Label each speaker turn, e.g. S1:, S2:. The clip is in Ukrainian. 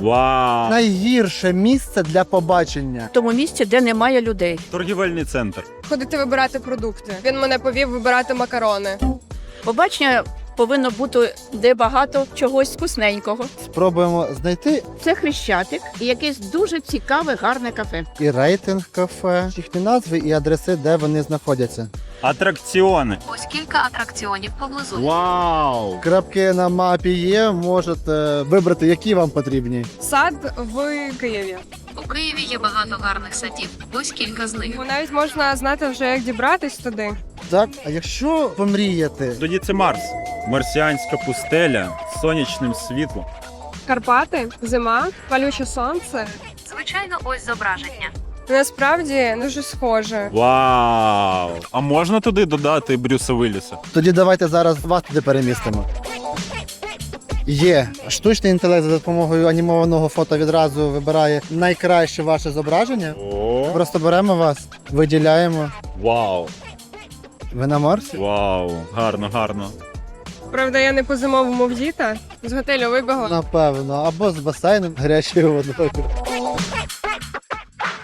S1: Вау!
S2: Найгірше місце для побачення.
S3: В тому місці, де немає людей.
S1: Торгівельний центр.
S4: Ходити вибирати продукти. Він мене повів вибирати макарони.
S3: Побачення повинно бути, де багато чогось вкусненького.
S2: Спробуємо знайти
S3: Це Хрещатик і якесь дуже цікаве, гарне кафе.
S2: і рейтинг кафе, їхні назви і адреси, де вони знаходяться.
S1: Атракціони.
S5: Ось кілька атракціонів поблизу.
S1: Вау!
S2: Крапки на мапі є, можете вибрати, які вам потрібні.
S4: Сад в Києві.
S5: У Києві є багато гарних садів. Ось кілька з них.
S4: Навіть можна знати вже, як дібратись туди.
S2: Так, а якщо помріяти,
S1: Тоді це Марс. Марсіанська пустеля з сонячним світлом.
S4: Карпати, зима, палюче сонце.
S5: Звичайно, ось зображення.
S4: Насправді дуже схоже.
S1: Вау! А можна туди додати Брюса Вілліса?
S2: тоді давайте зараз вас туди перемістимо. Є. Штучний інтелект за допомогою анімованого фото відразу вибирає найкраще ваше зображення.
S1: О!
S2: Просто беремо вас, виділяємо.
S1: Вау!
S2: Ви на Марсі?
S1: Вау! Гарно, гарно.
S4: Правда, я не по зимовому вдіта. З готелю вибігла.
S2: Напевно. Або з басейном гарячою водою.